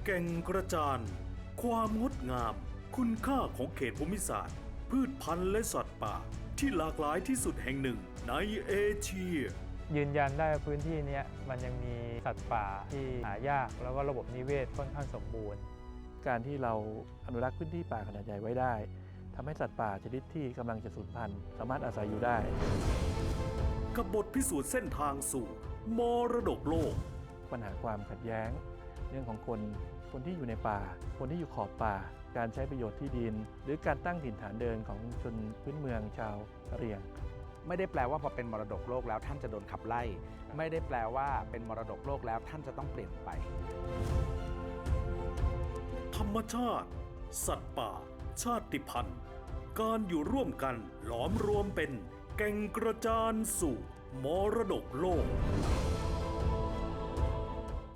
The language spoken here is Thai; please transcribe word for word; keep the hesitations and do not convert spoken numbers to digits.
แก่งกระจานความงดงาม คุณค่าของเขตภูมิศาสตร์ พืชพันธุ์และสัตว์ป่าที่หลากหลายที่สุดแห่งหนึ่งในเอเชียยืนยันได้ว่าพื้นที่นี้มันยังมีสัตว์ป่าที่หายากแล้วก็ระบบนิเวศค่อนข้างสมบูรณ์การที่เราอนุรักษ์พื้นที่ป่าขนาดใหญ่ไว้ได้ทำให้สัตว์ป่าชนิดที่กำลังจะสูญพันธุ์สามารถอาศัยอยู่ได้กับบทพิสูจน์เส้นทางสู่มรดกโลกปัญหาความขัดแย้งเรื่องของคนคนที่อยู่ในป่าคนที่อยู่ขอบป่าการใช้ประโยชน์ที่ดินหรือการตั้งถิ่นฐานเดินของชนพื้นเมืองชาวกะเหรี่ยงไม่ได้แปลว่าพอเป็นมรดกโลกแล้วท่านจะโดนขับไล่ไม่ได้แปลว่าเป็นมรดกโลกแล้วท่านจะต้องเปลี่ยนไปธรรมชาติสัตว์ป่าชาติพันธุ์การอยู่ร่วมกันหลอมรวมเป็นแก่งกระจานสู่มรดกโลก